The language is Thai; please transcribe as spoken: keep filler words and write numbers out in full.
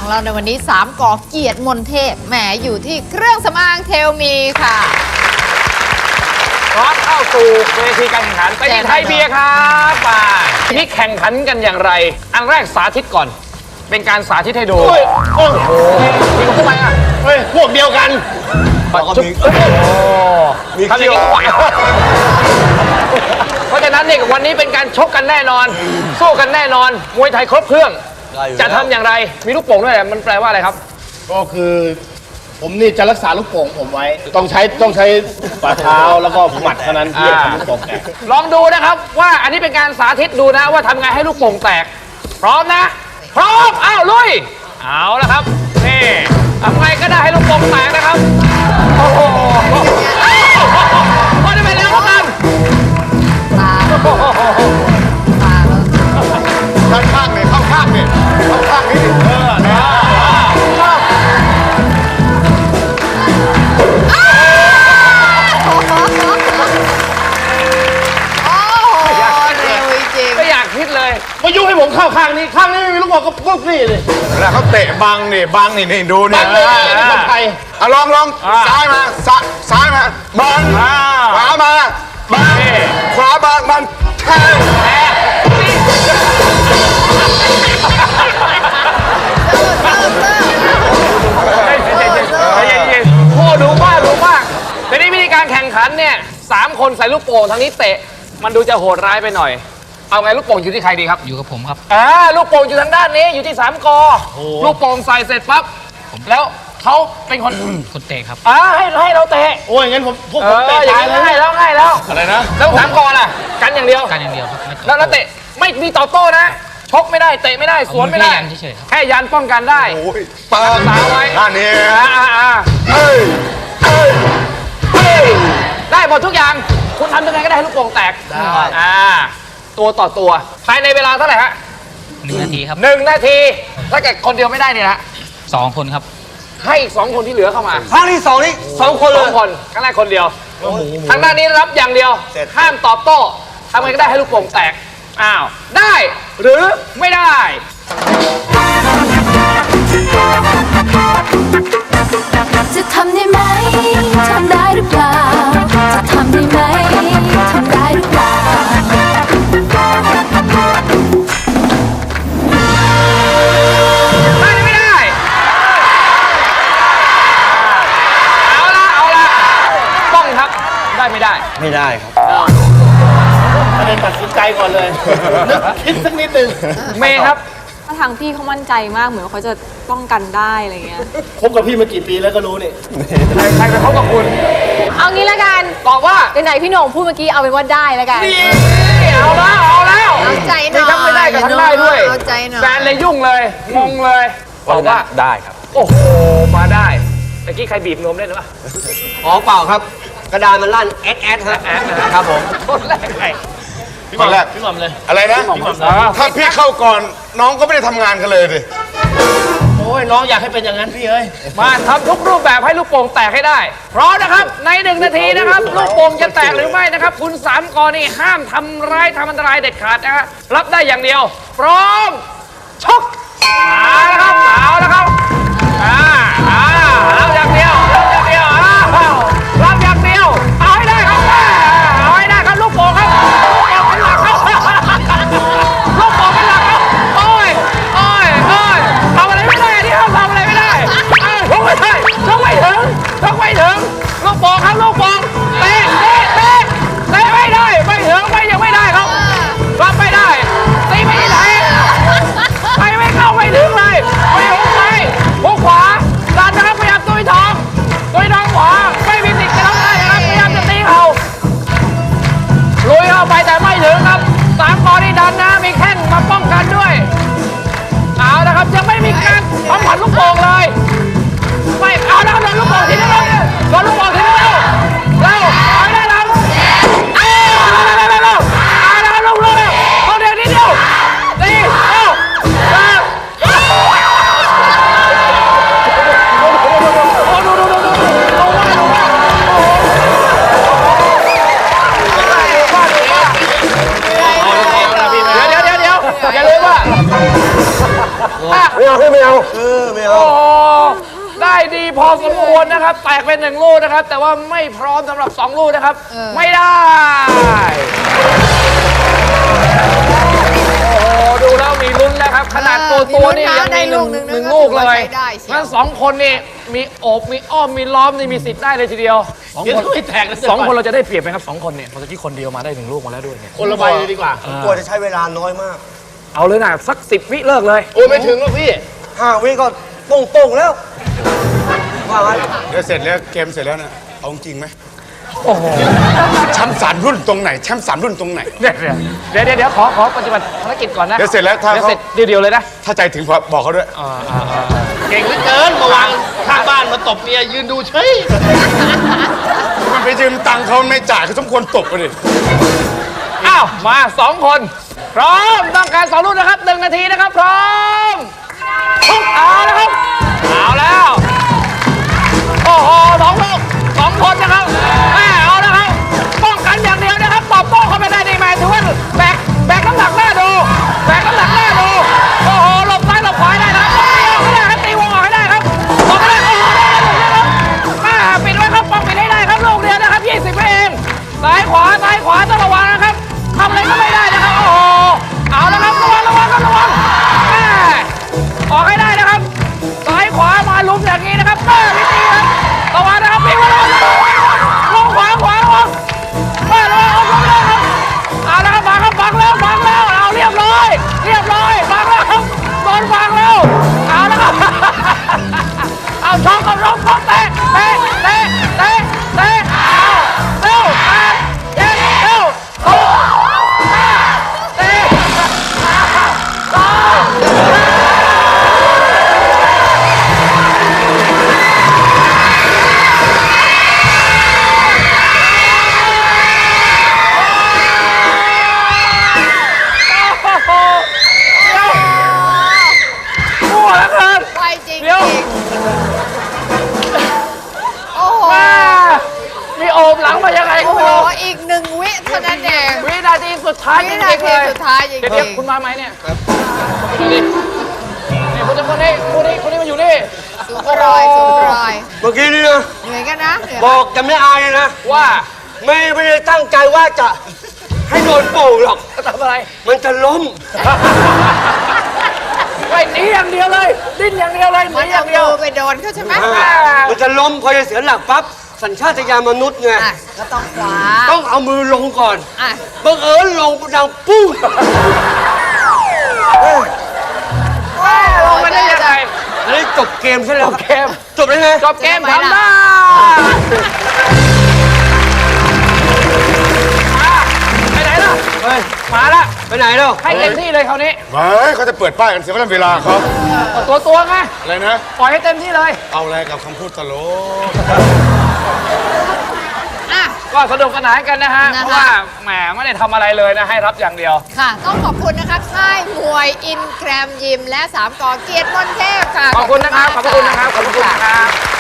เราในวันนี้สามกอเกียรติมนเทพแหมอยู่ที่เครื่องสำอางเทลมีค่ะพร้อมเข้าสู่เวทีการแข่งขันไปที่ไทยเบียร์ครับไปทีนี้แข่งขันกันอย่างไรอันแรกสาธิตก่อนเป็นการสาธิตให้ดูโอ้โหมีคนทำไมอ่ะเฮ้ยพวกเดียวกันจุ๊บโอ้มีทำอย่างนี้ไหวเพราะฉะนั้นเนี่ยวันนี้เป็นการชกกันแน่นอนสู้กันแน่นอนมวยไทยครบเครื่องจะทำอย่างไรมีลูกโป่งด้วยมันแปลว่าอะไรครับก็คือผมนี่จะรักษาลูกโป่งผมไว้ต้องใช้ต้องใช้ฝ่าเท้าแล้วก็หมัดเท่านั้นที่จะทำลูกโป่งแตกลองดูนะครับว่าอันนี้เป็นการสาธิตดูนะว่าทำไงให้ลูกโป่งแตกพร้อมนะพร้อมอ้าวลุยเอาละครับนี่ทำไงก็ได้ให้ลูกโป่งแตกนะครับโอ้โหพอได้ไปแล้วกันตาตาข้างข้างเนี่ยเข้าข้างเนี่ยเข้าข้างนี่เออเนี่ยไม่อยากคิดเลยมายุ่งให้ผมเข้าข้างนี้ข้างนี้ไม่มีลูกบอลก็ปุ๊บนี่เลยแล้วเขาเตะบังนี่บังนี่นี่ดูนี่นี่คนไทยอ่ะลองลองซ้ายมาซ้ายมาบังขวามาบังขวาบังมันแทงโอ้ดูมากดูมากแต่นี่วิธีการแข่งขันเนี่ยสามคนใส่ลูกโป่งทางนี้เตะมันดูจะโหดร้ายไปหน่อยเอาไงลูกโป่งอยู่ที่ใครดีครับอยู่กับผมครับอ่าลูกโป่งอยู่ทางด้านนี้อยู่ที่สามกอลูกโป่งใส่เสร็จปั๊บแล้วเขาเป็นคนคนเตะครับอ่าให้ให้เราเตะโอ้ยงั้นผมพวกผมเตะอย่างนี้ง่ายแล้วง่ายแล้วอะไรนะแล้วสามกอล่ะกันอย่างเดียวกันอย่างเดียวครับแล้วแล้วเตะไม่มีต่อโต้นะชกไม่ได้เตะไม่ได้สวนไม่ได้แค่ยันป้องกันได้โอ้ยปาตาไว้ด้านนี้อ่าอ่าเอ้ยเอ้ยเอ้ยได้หมดทุกอย่างคุณทำยังไงก็ได้ให้ลูกโป่งแตกอ่าตัวต่อตัวภายในเวลาเท่าไหร่ฮะหนึ่งนาทีครับหนึ่งนาทีถ้าเกิดคนเดียวไม่ได้เนี่ยนะสองคนครับให้อีกสองคนที่เหลือเข้ามาครั้งที่สองนี่สองคนสองคนครั้งแรกคนเดียวทางด้านนี้รับอย่างเดียวห้ามตอบโต้ทำไงก็ได้ให้ลูกโป่งแตกอ้าวได้หรือไม่ได้จะทำได้ไหมทำได้หรือเปล่าจะทำได้ไหมทำได้หรือเปล่าได้ไม่ได้เอาละเอาละต้องครับได้ไม่ได้ไม่ได้ครับประเด็นตัดสินใจก่อนเลยนึกคิดสักนิดนึงเมย์ครับถ้าทางพี่เขามั่นใจมากเหมือนว่าเขาจะป้องกันได้อะไรเงี้ยคบกับพี่มากี่ปีแล้วก็รู้นี่ใครใครไปคบกับคุณเอางี้ละกันตอบว่าไหนพี่โหน่งพูดเมื่อกี้เอาเป็นว่าได้แล้วกันเอาแล้วเอาแล้วเอาใจหน่อยทั้งไม่ได้กับทั้งได้ด้วยเอาใจหน่อยแฟนเลยยุ่งเลยงงเลยตอบว่าได้ครับโอ้โหมาได้เมื่อกี้ใครบีบนมได้หรือเปล่าอ๋อเปล่าครับกระดานมันลั่นแอดแอดฮะครับผมคนแรกใครพี่หม่อมแรกพี่หม่อมเลยอะไรนะถ้าพี่เข้าก่อนน้องก็ไม่ได้ทำงานกันเลยดิโอ้ยน้องอยากให้เป็นอย่างนั้นพี่เอ้ยมาทำทุกรูปแบบให้ลูกโป่งแตกให้ได้พร้อมนะครับในหนึ่งนาทีนะครับลูกโป่งจะแตกหรือไม่นะครับคุณสามกอนี่ห้ามทำร้ายทำอันตรายเด็ดขาดนะฮะรับได้อย่างเดียวพร้อมชกเอาละครับเอาละครับอ่าอ่าเอาอย่างเดียวเอาอย่างเดียวอ้าวรับอย่างเดียวเอาให้ได้ครับเอาให้ได้ครับลูกโป่งครับลูกโป่งเป็นหลักครับลูกโป่งเป็นหลักครับโอ้ยโอ้ยโอ้ยทำอะไรไม่ได้ที่เขาทำอะไรไม่ได้ชกไม่ได้ชกไม่ถึงชกไม่ถึงลูกโป่งครับลูกโป่งเตะเตะเตะเตะไม่ได้ไม่ถึงไม่ยังไม่ได้ครับรับไม่ได้ตีไม่ได้สมควรนะครับแตกเป็นหนึ่งลูกนะครับ แต่ว่าไม่พร้อมสำหรับสองลูกนะครับเออไม่ได้โอ้โหดูแล้วมีลุ้นแล้วครับ ขนาดตัวตัวนี่ยังมีหนึ่งหนึ่งลูกเลยงั้นสองคนนี่มีโอบมีอ้อมมีล้อมนี่มีสิทธิ์ได้เลยทีเดียวสองคนไม่แตกสองคนเราจะได้เปรียบไหมครับสองคนเนี่ยเมื่อกี้คนเดียวมาได้หนึ่งลูกมาแล้วด้วยเนี่ยคนละใบเลยดีกว่ากลัวจะใช้เวลาน้อยมากเอาเลยนะสักสิบวิเลิกเลยโอ้ยไม่ถึงหรอกพี่ห้าวิก็โป่งๆแล้วว่าไงเดี๋ยวเสร็จแล้วเกมเสร็จแล้วนะเอาจริงไหมโอ้โหแชมป์สามรุ่นตรงไหนแชมป์สามรุ่นตรงไหนเดี๋ยวเดี๋ยวเดี๋ยวเดี๋ยวขอขอปฏิบัติภารกิจก่อนนะเดี๋ยวเสร็จแล้วถ้าเดี๋ยวเขาเสร็จเดียวๆเลยนะถ้าใจถึงพอบอกเขาด้วยเก่งเหลือเกินมาวางข้างบ้านมาตบเมียยืนดูเฉยมันไปยืมตังค์เขาไม่จ่ายเขาสมควรตบไปดิอ้าวมาสองคนพร้อมต้องการสองลูกนะครับหนึ่งนาทีนะครับพร้อมเอาแล้วครับเอาแล้วโอ้โหสองลูกสองคนนะครับแม่เอาแล้วครับป้องกันอย่างเดียวนะครับตอบโต้เข้าไปได้ดีไหมถือว่าแบกแบกน้ำหนักหน้าดูแบกน้ำหนักหน้าดูโอ้โหหลบซ้ายหลบขวาได้นะตีวงออกให้ได้ครับตีวงออกให้ได้ครับตบไม่ได้โอ้โหได้ครับอ่าปิดไว้ครับป้องปิดให้ได้ครับลูกเดียวนะครับยี่สิบเองซ้ายขวาซ้ายขวาต้องระวังนะครับทำอะไรก็ไม่ได้นะครับโอ้โหเอาแล้วครับระวังระวังครับระวังแม่ออกให้ได้นะครับซ้ายขวามาลุ้มอย่างนี้นะครับแม่พี่ตีครับระวังนะครับพี่ระวังลงขวาขวาระวังแม่ระวังเอาลงเลยครับเอาแล้วครับบังครับบังแล้วบังแล้วเอาเรียบร้อยเรียบร้อยบังแล้วครับโดนบังแล้วเอาแล้วครับเอาช็อกกับช็อกช็อกเตะเตะเตะเตะเตะเอาเร็วแปดเจ็ดเร็วหกห้าสี่สามสองมั่วแล้วเกินไปจริงเดี๋ยวโอ้โหแม่มีโอบหลังมายังไงก็โอ้โหไม่รู้อีกหนึ่งวิเท่านั้นเองวินาทีสุดท้ายจวิรินางๆทีเลยสุดท้ายจริงเดี๋ยวเดี๋ยวคุณมาไหมเนี่ยครับนี่นี่คุณจะคนนี้คนนี้คนนี้มาอยู่นี่ๆสูงรอยสูงรอยเมื่อกี้นี่นะเหนื่อยกันนะเหนื่อยบอกจะไม่อายเลยนะว่าไม่ไม่ได้ตั้งใจว่าจะให้โดนโป่งหรอกจะทำอะไรมันจะล้มไปหนีอย่างเดียวเลยดิ้นอย่างเดียวเลยหมันีนอเอาย่างเดียวมือไปโดนเขาใช่ไหมมันจะล้มพอจะเสียหลักปั๊บสัญชาตญาณมนุษย์ไงอ่ะก็ต้องขวาต้องเอามือลงก่อนอ่ะบังเอิญลงดังปุ้งลงไปได้ยังไงอันนี้จบเกมใช่ไหมจบเกมจบได้ไงจบเกมทำได้ไปไหนล่ะเฮ้ยมาละไปไหนแล้วให้เต็มที่เลยคราวนี้เฮ้ยเขาจะเปิดป้ายกันเสียเวลาเขาตัวตัวไงอะไรนะปล่อยให้เต็มที่เลยเอาอะไรกับคำพูดตลกอ่ะก็สนุกสนานกันนะฮะนะคะเพราะว่าแหมไม่ได้ทำอะไรเลยนะให้รับอย่างเดียวค่ะ ต้องขอบคุณนะคะค่ายมวยอินแกรมยิมและสามกอเกียรติมนเทพค่ะขอบคุณนะครับ ขอบคุณนะครับ ขอบคุณนะครับ